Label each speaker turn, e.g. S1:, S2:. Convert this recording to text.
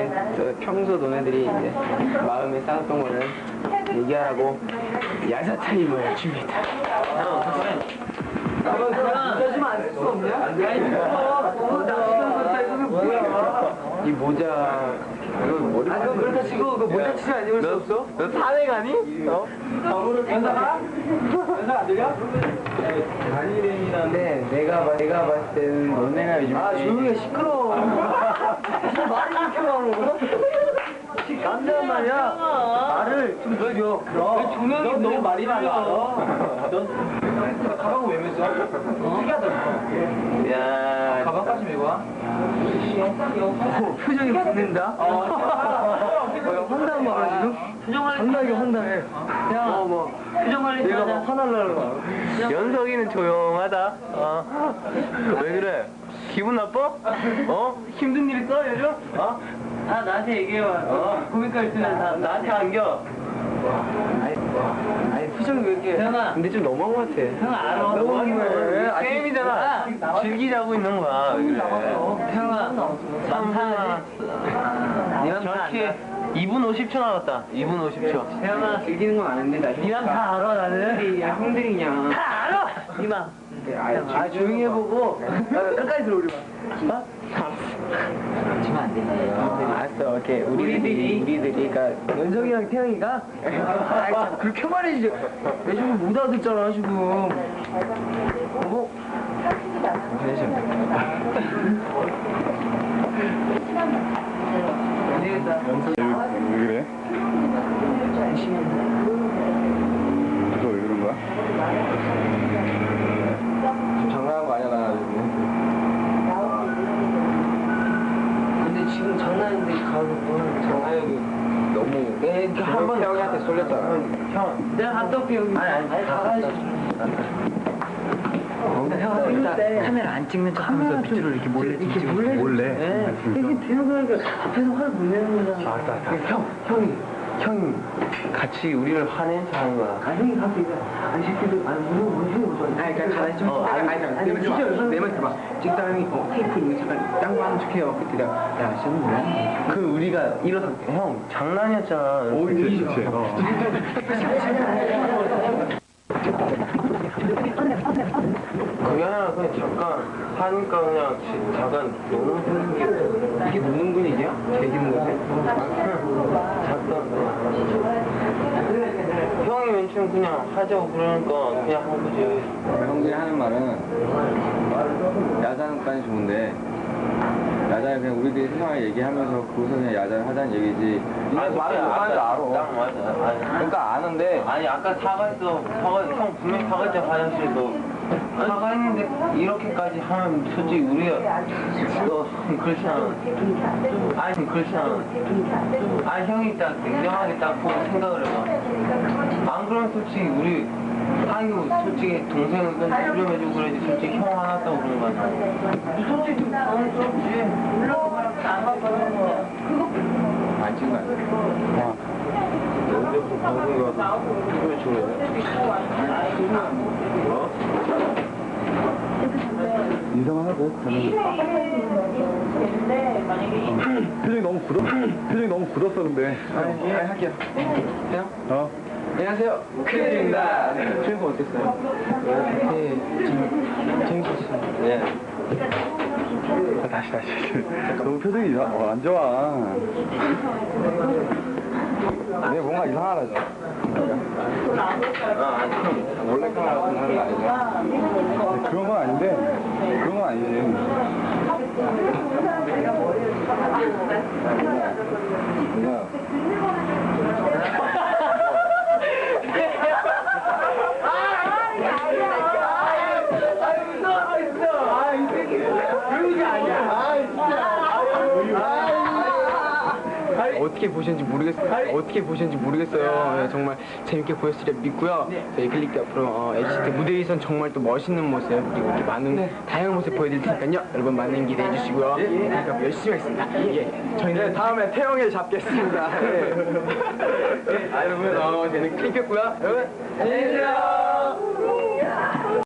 S1: 이제 평소 너네들이 이제 마음에 쌓았던 거를 얘기하라고 야자 타임을 줍니다. 모자 좀 안 쓸 수 없냐? 이 모자 이거 머리 그렇다 치고 그 모자 치지 안 입을 수 없어? 너 사내 가니? 연사가? 연사 안 들려? 네, 내가 봤을 때는 너네가 요즘 조용히 해 시끄러워. 무슨 말이 이렇게 많어? 남자란 말이야. 말을 좀 들려. 종영이 너무 말이 많아. 넌 가방을 왜 메어? 특이하다. 야, 가방까지 메고 와? 표정이 붙는다. 황당한 거야 지금? 표정 관리 상당히 황당해. 야, 표정 관리 내가 막 화날라는 연석이는 조용하다. 왜 그래? 기분 나빠? 힘든 일 있어 요즘? 다 나한테 얘기해봐. 고민가 있으면 다 나한테 안겨. 아니 표정이 왜 이렇게 형아 근데 좀 너무한 것 같아. 형아 알아. 너무한 거야. 게임이잖아. 즐기자고 있는 거야. 그래. 형아 참 정확히 2분 50초 남았다. 2분 50초. 형아 즐기는 건 아는데 나 니랑 다 알아. 나는 형들이 그냥 다 알아. 니마 조용히 해보고 끝까지 들어 우리 봐. 치면 안 되지. 알았어. 오케이. 우리들이 그러니까 연석이랑 태영이가 참 그렇게 말해주지. 내 지금 못 알아듣잖아 지금.
S2: 왜 그래? 그래서 왜 그런 거야?
S1: 장난한 거 아니야 나 지금. 근데 지금 장난인데 가는 장난이 너무 한번 형한테 쏠렸잖아. 형 내가 갔다 올게 여기. 아니 다 가야지. 형 일단 카메라 안 찍는 척하면서 밑으로 이렇게 몰래 찍지. 몰래? 네. 이게 되는 거니까 앞에서 화를 못 내는 거잖아. 형이 같이 우리를 화낸 척 하는 거야. 형이 가서 이제 아니 새끼들 아니 무슨 그러니까 가만히 좀 진짜 내 말 들어봐. 찍다 형이 테이프 있는 잠깐 딴 거 하는 척해요. 그때 내가 야 씨는 뭐야? 그 우리가 일어서 형 장난이었잖아. 오 이게 좋지. 그게 아니라 그냥 잠깐 하니까 그냥 잠깐 노는 분위기. 이게 노는 분위기야? 제기는 거지? 잠깐 형이 맨 처음 그냥 하자고 그러니까 그냥 한 거지.
S2: 형들이 하는 말은 야자는까지 좋은데 야자는 그냥 우리들이 세상을 얘기하면서 그것을 그냥 야자를 하자는 얘기지.
S1: 아니 말을 못 하는지 알아. 맞아. 그러니까 아는데. 아니 아까 사과했어. 형 분명히 사과했잖아 화장실에서. 사과했는데 이렇게까지 하면 솔직히 우리가 그렇지 않아. 아니 그렇지 않아. 아니 형이 딱 냉정하게 딱 보고 생각을 해봐. 안 그러면 솔직히 우리 아이고 솔직히 동생은 수렴해주고 그러지 솔직히 형 화났다고 그런 거 아니야. 솔직히 당황스럽지. 물론 안 바빠는 거야.
S2: 안 찍은 거 아니야?
S1: 언제부터 방송에 와서 피부에 주네.
S2: 인사만 하고 표정이 너무 굳었어 근데.
S1: 예, 할게요. 해요? 안녕하세요. 크리입니다. 출연거 어땠어요? 네, 재밌었어요. 네.
S2: 다시. 너무 표정이 안 좋아. 내 뭔가 이상하다.
S1: 아니, 원래 카메라 같은 거 하는 거 아니죠?
S2: 그런 건 아닌데, 그런 건 아니지.
S1: 어떻게 보셨는지 모르겠어요. 네, 정말 재밌게 보셨으리라 믿고요. 저희 클릭 앞으로 NCT 무대 위선 정말 또 멋있는 모습 그리고 이렇게 많은 다양한 모습 보여드릴 테니까요. 여러분 많은 기대해 주시고요. 그러니까 열심히 하겠습니다. 예, 저희는 다음에 태영이를 잡겠습니다. 네. 여러분 저희는 클릭했고요. 여러분 안녕히 계세요.